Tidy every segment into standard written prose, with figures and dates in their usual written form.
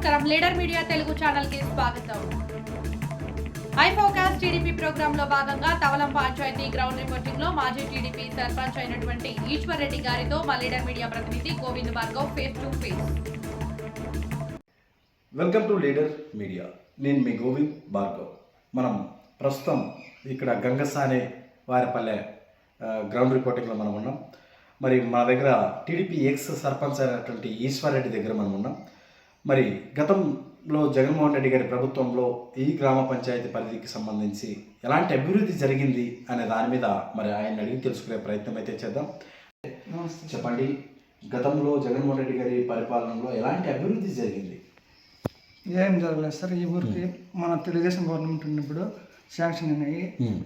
నమస్కారం leader media Telugu channel కి స్వాగతం. ఐ ఫోకస్ టీడీపీ ప్రోగ్రామ్ లో భాగంగా తవలం పంచాయతీ గ్రౌండ్ రిపోర్టింగ్ లో మాజీ టీడీపీ సర్పంచ్ అయినటువంటి ఈశ్వర్ రెడ్డి గారితో మా లీడర్ మీడియా ప్రతినిధి Govind Bhargav face to face. Welcome to leader media. నేను మీ గోవింద్ భార్గవ్. మనం ప్రస్తుతం ఇక్కడ గంగసానే వారిపల్లె గ్రౌండ్ రిపోర్టింగ్లో మనం ఉన్నాం. మరి మా దగ్గర టీడీపీ ఎక్స్ సర్పంచ్ అయినటువంటి ఈశ్వర్ రెడ్డి దగ్గర మనం ఉన్నాం. మరి గతంలో జగన్మోహన్ రెడ్డి గారి ప్రభుత్వంలో ఈ గ్రామ పంచాయతీ పరిధికి సంబంధించి ఎలాంటి అభివృద్ధి జరిగింది అనే దాని మీద మరి ఆయన అడిగి తెలుసుకునే ప్రయత్నం అయితే చేద్దాం. చెప్పండి, గతంలో జగన్మోహన్ రెడ్డి గారి పరిపాలనలో ఎలాంటి అభివృద్ధి జరిగింది? ఏం జరగలేదు సార్. ఈ ఊరికి మన తెలుగుదేశం గవర్నమెంట్ ఉన్నప్పుడు శాంక్షన్ అయినాయి.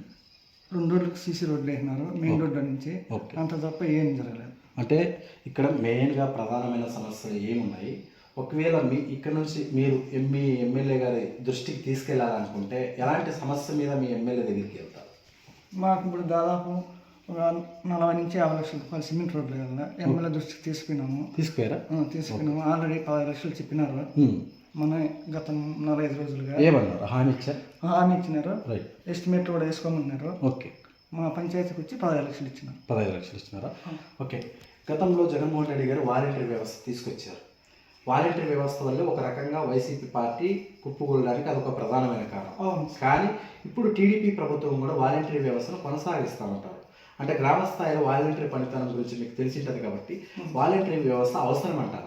2 రోడ్లకు సీసీ రోడ్లు వేసినారు మెయిన్ రోడ్ల నుంచి. అంత తప్ప ఏం జరగలేదు. అంటే ఇక్కడ మెయిన్గా ప్రధానమైన సమస్యలు ఏమున్నాయి? ఒకవేళ ఇక్కడ నుంచి మీరు మీ ఎమ్మెల్యే గారి దృష్టికి తీసుకెళ్లాలనుకుంటే ఎలాంటి సమస్య మీద మీ ఎమ్మెల్యే దగ్గరికి వెళ్తారు? మాకు ఇప్పుడు దాదాపు ఒక 40 నుంచి 50 లక్షల రూపాయలు సిమెంట్ రోడ్లు కదా ఎమ్మెల్యే దృష్టికి తీసుకున్నాము. ఆల్రెడీ 10 లక్షలు చెప్పినారు. మన గత 45 రోజులుగా ఏమన్నారు? హామీ ఇచ్చినారు. ఎస్టిమేట్ కూడా వేసుకోమన్నారు. ఓకే. మా పంచాయతీకి వచ్చి 15 లక్షలు ఇచ్చినారు. 15 లక్షలు ఇచ్చినారా? ఓకే. గతంలో జగన్మోహన్ రెడ్డి గారు వాలంటీర్ వ్యవస్థ తీసుకొచ్చారు. వాలంటీర్ వ్యవస్థ వల్ల ఒక రకంగా వైసీపీ పార్టీ కుప్పకూలడానికి అదొక ప్రధానమైన కారణం. కానీ ఇప్పుడు టీడీపీ ప్రభుత్వం కూడా వాలంటీర్ వ్యవస్థను కొనసాగిస్తామంటారు. అంటే గ్రామ స్థాయిలో వాలంటీర్ పనితనం గురించి మీకు తెలిసింటది కాబట్టి వాలంటీర్ వ్యవస్థ అవసరం అంటారా?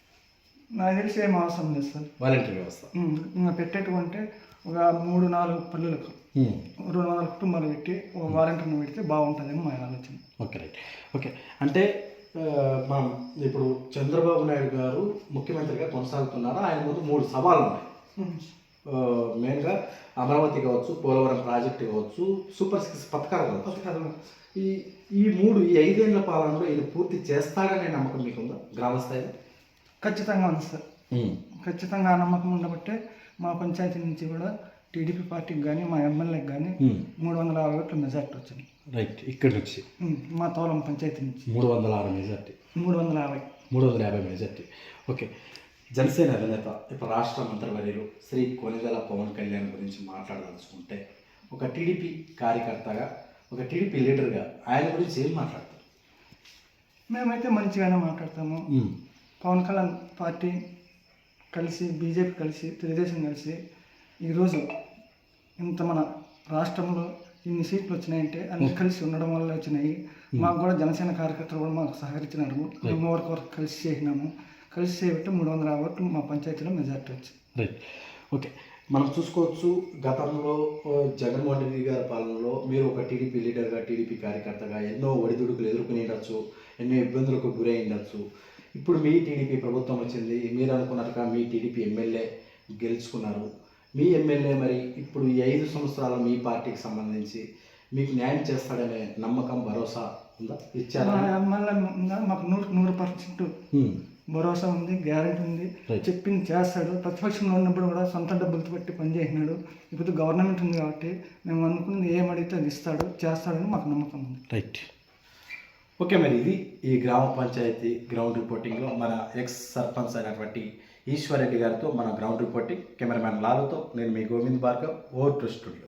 నాకు తెలిసి ఏం అవసరం లేదు సార్. వాలంటీర్ వ్యవస్థ పెట్టేటువంటి ఒక 3-4 పల్లెలకు 200 కుటుంబాలు పెట్టి ఒక వాలంటీర్ని పెడితే బాగుంటుందేమో మా ఆలోచన. Okay, right. ఓకే. అంటే మనం ఇప్పుడు చంద్రబాబు నాయుడు గారు ముఖ్యమంత్రిగా కొనసాగుతున్నారు. ఆయన ముందు 3 సవాళ్ళు ఉన్నాయి. మెయిన్గా అమరావతి కావచ్చు, పోలవరం ప్రాజెక్టు కావచ్చు, సూపర్ 6 పథకాలు. ఈ 5 ఏళ్ల పాలనలో ఈయన పూర్తి చేస్తాడనే నమ్మకం మీకుందా గ్రామ స్థాయిలో? ఖచ్చితంగా ఉంది సార్. ఖచ్చితంగా ఆ నమ్మకం ఉండబట్టే మా పంచాయతీ నుంచి కూడా టీడీపీ పార్టీకి కానీ మా ఎమ్మెల్యేకి కానీ 350 ఓట్ల మెజార్టీ వచ్చింది. రైట్. ఇక్కడ నుంచి మా తోలం పంచాయతీ నుంచి 306 మెజార్టీ. 350 మెజార్టీ. ఓకే. జనసేన అధినేత ఇప్పుడు రాష్ట్ర మంత్రివర్యులు శ్రీ కొనిదెల పవన్ కళ్యాణ్ గురించి మాట్లాడదలుచుకుంటే ఒక టీడీపీ కార్యకర్తగా, ఒక టీడీపీ లీడర్గా ఆయన గురించి ఏం మాట్లాడతారు? మేమైతే మంచిగానే మాట్లాడతాము. పవన్ కళ్యాణ్ పార్టీ కలిసి, బీజేపీ కలిసి, తెలుగుదేశం కలిసి ఈరోజు ఇంత మన రాష్ట్రంలో ఇన్ని సీట్లు వచ్చినాయంటే అన్ని కలిసి ఉండడం వల్ల వచ్చినాయి. మాకు కూడా జనసేన కార్యకర్తలు కూడా మాకు సహకరించినారు. మేము వరకు కలిసి చేసినాము. కలిసి చేయబట్టి 350 ఓట్లు మా పంచాయతీలో మెజార్టీ వచ్చింది. రైట్. ఓకే. మనం చూసుకోవచ్చు, గతంలో జగన్మోహన్ రెడ్డి గారి పాలనలో మీరు ఒక టీడీపీ లీడర్గా, టీడీపీ కార్యకర్తగా ఎన్నో ఒడిదుడుకులు ఎదుర్కొని ఉండొచ్చు, ఎన్నో ఇబ్బందులకు గురై ఉండొచ్చు. ఇప్పుడు మీ టీడీపీ ప్రభుత్వం వచ్చింది, మీరు అనుకున్నట్టుగా మీ టీడీపీ ఎమ్మెల్యే గెలుచుకున్నారు. మీ ఎమ్మెల్యే మరి ఇప్పుడు ఈ 5 సంవత్సరాల మీ పార్టీకి సంబంధించి మీకు న్యాయం చేస్తాడనే నమ్మకం, భరోసా ఉందా? ఇచ్చారా? ఎమ్మెల్యే మాకు 100% భరోసా ఉంది, గ్యారెంటీ ఉంది. చెప్పింది చేస్తాడు. ప్రతిపక్షంలో ఉన్నప్పుడు కూడా సొంత డబ్బులతో పెట్టి పనిచేసినాడు. ఇప్పుడు గవర్నమెంట్ ఉంది కాబట్టి మేము అనుకున్నది ఏమడిగితే అది ఇస్తాడు, చేస్తాడని మాకు నమ్మకం ఉంది. రైట్. ఓకే. మరి ఇది ఈ గ్రామ పంచాయతీ గ్రౌండ్ రిపోర్టింగ్లో మన ఎక్స్ సర్పంచ్ అయినటువంటి ఈశ్వర్ రెడ్డి గారితో మన గ్రౌండ్ రిపోర్టింగ్. కెమెరామ్యాన్ లాలుతో నేను మీ Govind Bhargav, over to studio.